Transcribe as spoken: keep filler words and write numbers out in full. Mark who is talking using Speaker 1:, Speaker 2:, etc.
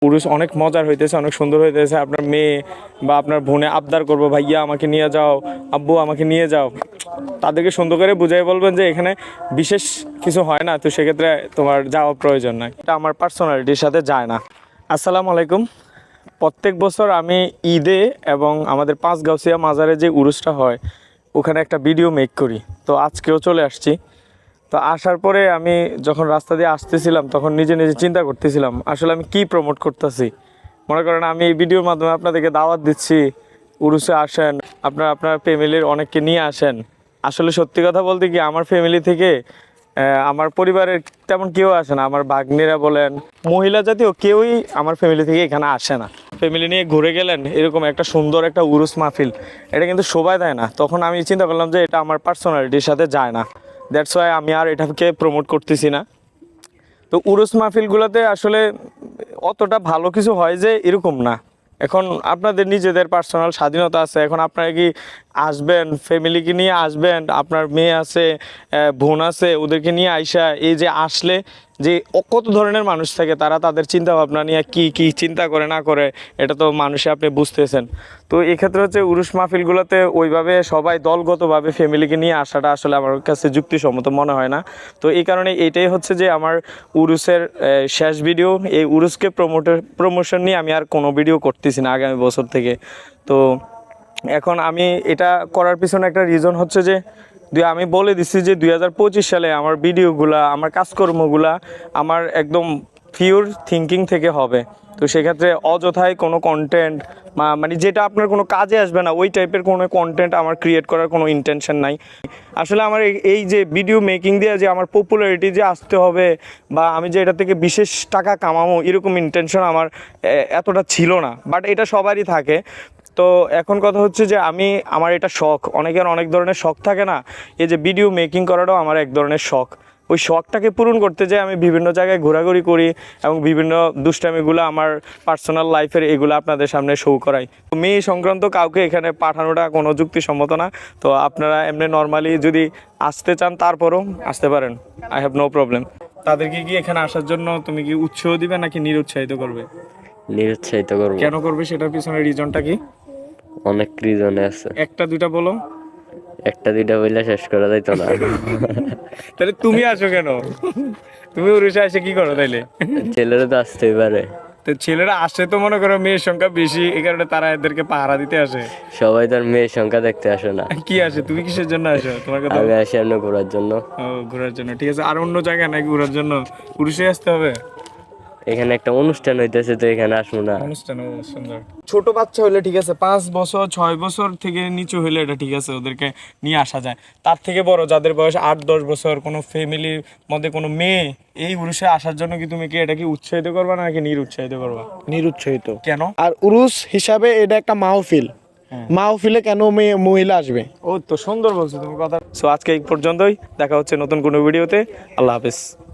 Speaker 1: পুরুষ অনেক মজার হইতেছে, অনেক সুন্দর হইতেছে। আপনার মেয়ে বা আপনার বোনে আবদার করবো, ভাইয়া আমাকে নিয়ে যাও, আব্বু আমাকে নিয়ে যাও, তাদেরকে সুন্দর করে বুঝাই বলবেন যে এখানে বিশেষ কিছু হয় না, তো সেক্ষেত্রে তোমার যাওয়া প্রয়োজন নাই। এটা আমার পার্সোনালিটির সাথে যায় না। আসসালামু আলাইকুম। প্রত্যেক বছর আমি ঈদে এবং আমাদের পাঁচগাঁওছিয়া মাজারে যে উরুসটা হয় ওখানে একটা ভিডিও মেক করি। তো আজকেও চলে আসছি। তো আসার পরে আমি যখন রাস্তা দিয়ে আসতেছিলাম তখন নিজে নিজে চিন্তা করতেছিলাম আসলে আমি কি প্রমোট করতেছি। মনে করেন আমি এই ভিডিওর মাধ্যমে আপনাদেরকে দাওয়াত দিচ্ছি, উরুসে আসেন, আপনার আপনার ফ্যামিলির অনেককে নিয়ে আসেন। আসলে সত্যি কথা বলতে কি, আমার ফ্যামিলি থেকে আমার পরিবারের তেমন কেউ আসে না। আমার ভাগ্নিরা বলেন, মহিলা জাতীয় কেউই আমার ফ্যামিলি থেকে এখানে আসে না। ফ্যামিলি নিয়ে ঘুরে গেলেন এরকম একটা সুন্দর একটা উরুস মাহফিল, এটা কিন্তু শোভা দেয় না। তখন আমি চিন্তা করলাম যে এটা আমার পার্সোনালিটির সাথে যায় না, দ্যাটস ওয়াই আমি আর এটাকে প্রমোট করতেছি না। তো উরুস মাহফিলগুলোতে আসলে অতটা ভালো কিছু হয় যে এরকম না। এখন আপনাদের নিজেদের পার্সোনাল স্বাধীনতা আছে। এখন আপনারা কি আসবেন, ফ্যামিলিকে নিয়ে আসবেন, আপনার মেয়ে আছে, বোন আছে, ওদেরকে নিয়ে আইসা এই যে আসলে যে কত ধরনের মানুষ থাকে, তারা তাদের চিন্তা ভাবনা নিয়ে কি কি চিন্তা করে না করে এটা তো মানুষে আপনি বুঝতেছেন। তো এক্ষেত্রে হচ্ছে উরুস মাহফিলগুলোতে ওইভাবে সবাই দলগতভাবে ফ্যামিলিকে নিয়ে আসাটা আসলে আমার কাছে যুক্তিসম্মত মনে হয় না। তো এই কারণে এইটাই হচ্ছে যে আমার উরুসের শেষ ভিডিও। এই উরুসকে প্রমোটের প্রমোশন নিয়ে আমি আর কোনো ভিডিও করতেছি না আগামী বছর থেকে। তো এখন আমি এটা করার পিছনে একটা রিজন হচ্ছে যে আমি বলে দিচ্ছি যে দুই হাজার পঁচিশ সালে আমার ভিডিওগুলা, আমার কাজকর্মগুলা আমার একদম পিওর থিঙ্কিং থেকে হবে। তো সেক্ষেত্রে অযথায় কোনো কন্টেন্ট মানে যেটা আপনার কোনো কাজে আসবে না ওই টাইপের কোনো কন্টেন্ট আমার ক্রিয়েট করার কোনো ইন্টেনশন নাই। আসলে আমার এই যে ভিডিও মেকিং দিয়ে যে আমার পপুলারিটি যে আসতে হবে বা আমি যে এটা থেকে বিশেষ টাকা কামাবো এরকম ইন্টেনশন আমার এতটা ছিল না, বাট এটা সবারই থাকে। তো এখন কথা হচ্ছে যে আমি আমার এটা শখ, অনেকের অনেক ধরনের শখ থাকে না, এই যে ভিডিও মেকিং করাটাও আমার এক ধরনের শখ। ওই শখটাকে পূরণ করতে যে আমি বিভিন্ন জায়গায় ঘোরাঘুরি করি এবং বিভিন্ন দুষ্টামিগুলো আমার পার্সোনাল লাইফের এগুলো আপনাদের সামনে শো করাই। তো মেয়ে সংক্রান্ত কাউকে এখানে পাঠানোটা কোনো যুক্তিসম্মত না। তো আপনারা এমনি নর্মালি যদি আসতে চান তারপরও আসতে পারেন, আই হ্যাভ নো প্রবলেম। তাদেরকে কি এখানে আসার জন্য তুমি কি উৎসাহ দিবে নাকি নিরুৎসাহিত করবে?
Speaker 2: নিরুৎসাহিত করব।
Speaker 1: কেন করবে সেটার পিছনে রিজনটা কি?
Speaker 2: অনেক রিজন আছে।
Speaker 1: একটা দুইটা বলো।
Speaker 2: একটা দুইটা বললে শেষ করা যাইতো না।
Speaker 1: তাহলে তুমি আসো কেন? তুমি উড়িষ্যা এসে কি করো তাইলে?
Speaker 2: ছেলেরা তো আসতেই পারে।
Speaker 1: তো ছেলেরা আসে তো মনে করো মেয়ের সংখ্যা বেশি, এই কারণে তারা এদেরকে পাহারা দিতে আসে।
Speaker 2: সবাই তার মেয়ের সংখ্যা দেখতে আসে না।
Speaker 1: কি আসে? তুমি কিসের জন্য আসো? তোমার কথা
Speaker 2: আমি আসি এমনি ঘোরার জন্য।
Speaker 1: ও, ঘোরার জন্য, ঠিক আছে। আর অন্য জায়গায় নাকি ঘোরার জন্য? পুরুষে আসতে হবে।
Speaker 2: এখানে একটা অনুষ্ঠান হইতেছে তো এখানে আসবো না।
Speaker 1: অনুষ্ঠান সুন্দর। ছোট বাচ্চা হইলে ঠিক আছে, পাঁচ বছর ছয় বছর থেকে নিচু হইলে এটা ঠিক আছে, ওদেরকে নিয়ে আসা যায়। তার থেকে বড় যাদের বয়স আট দশ বছর, কোনো ফ্যামিলির মধ্যে কোনো মেয়ে এই উরুসে আসার জন্য কি তুমি কি এটা কি উৎসাহিত করবা নাকি নিরুৎসাহিত করবা?
Speaker 3: নিরুৎসাহিত।
Speaker 1: কেন?
Speaker 3: আর উরুস হিসাবে এটা একটা মাহফিল, মাহফিলে কেন মেয়ে মহিলা আসবে?
Speaker 1: ও তো সুন্দর বলছো তুমি কথা। সো আজকে এই পর্যন্তই, দেখা হচ্ছে নতুন কোনো ভিডিওতে। আল্লাহ হাফেজ।